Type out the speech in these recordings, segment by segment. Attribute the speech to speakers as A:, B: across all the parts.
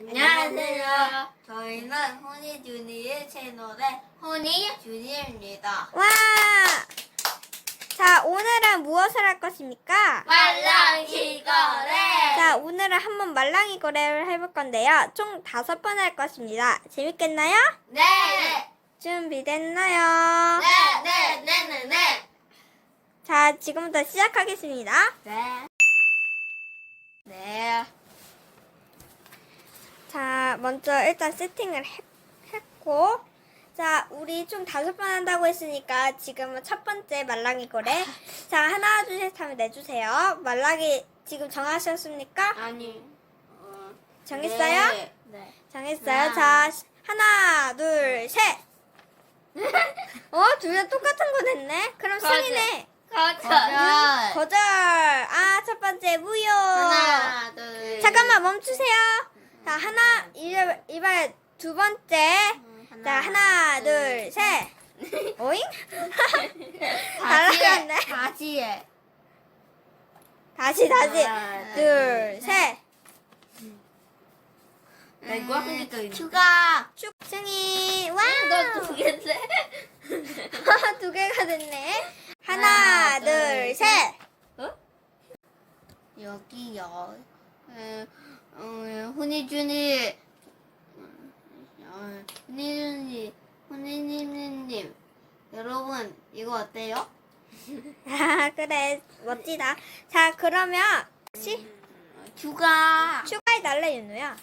A: 안녕하세요. 저희는 호니주니의 채널의 호니주니입니다.
B: 와! 자, 오늘은 무엇을 할 것입니까?
A: 말랑이 거래.
B: 자, 오늘은 한번 말랑이 거래를 해볼 건데요. 총 5번 할 것입니다. 재밌겠나요?
A: 네.
B: 준비됐나요?
A: 네.
B: 자, 지금부터 시작하겠습니다.
A: 네.
B: 자, 먼저 일단 세팅을 했고, 자, 우리 총 5번 한다고 했으니까 지금은 첫 번째 말랑이 거래. 자, 하나, 둘, 셋 하면 내주세요. 말랑이 지금 정하셨습니까?
A: 아니.
B: 정했어요?
A: 네.
B: 정했어요.
A: 하나.
B: 자, 하나, 둘, 셋. 둘 다 똑같은 거 냈네? 그럼
A: 거절.
B: 승이네.
A: 거절.
B: 거절. 아, 첫 번째 무효.
A: 하나, 둘.
B: 잠깐만 멈추세요. 자, 하나, 이발 두 번째. 자, 하나, 둘, 셋. 오잉? 날아갔네.
A: 다시 해.
B: 다시.
A: 하나,
B: 둘, 셋.
A: 나 이거 하니까 추가.
B: 승이. 와.
A: 너두 개인데.
B: 두 개가 됐네. 하나, 둘, 셋.
A: 여기요. 훈이님, 여러분 이거 어때요?
B: 아, 그래. 멋지다. 자, 그러면 혹시
A: 추가.
B: 추가해달래, 윤우야.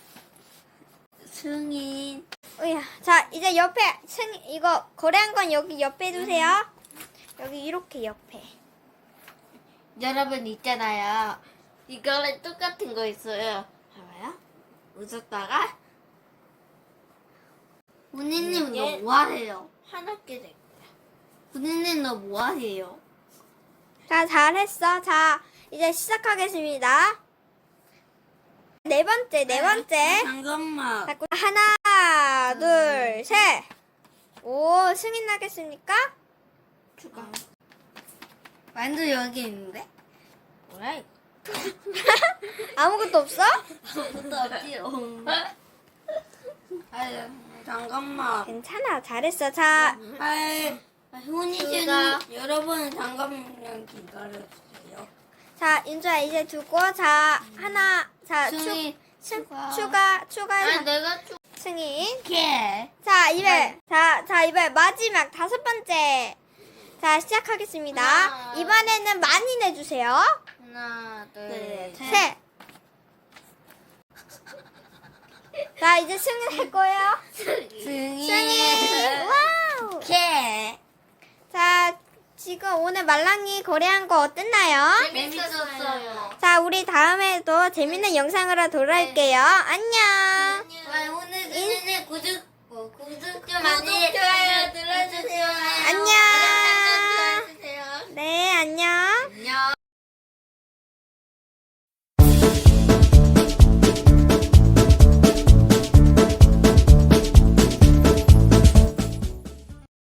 A: 승인.
B: 으야. 자, 이제 옆에 이거 거래한 건 여기 옆에 두세요. 여기 이렇게 옆에.
A: 여러분 있잖아요. 이거랑 똑같은 거 있어요. 봐봐요. 웃었다가 훈이님 너 뭐하세요? 하나께 될 거야. 훈이님 너 뭐하세요?
B: 자, 잘했어. 자, 이제 시작하겠습니다. 네 번째.
A: 잠깐만.
B: 자, 하나, 둘, 셋. 오, 승인 나겠습니까?
A: 추가. 완전 여기 있는데? 뭐야 이거?
B: 아무것도 없어?
A: 아무것도 없지요. 아유, 잠깐만.
B: 괜찮아. 잘했어. 자,
A: 훈이님 여러분 잠깐만 기다려주세요.
B: 자, 윤주야 이제 두고 자, 하나, 자, 추가,
A: 내가
B: 승인.
A: 추게.
B: 자, 이번 마지막 5번째. 자, 시작하겠습니다.
A: 하나.
B: 이번에는 많이 내주세요.
A: 하나, 둘,
B: 셋. 자, 이제 승인 할 거예요. 승인. 와우.
A: 게.
B: 자, 지금 오늘 말랑이 거래한 거 어땠나요?
A: 재밌었어요.
B: 자, 우리 다음에도 재밌는 영상으로 돌아올게요. 안녕.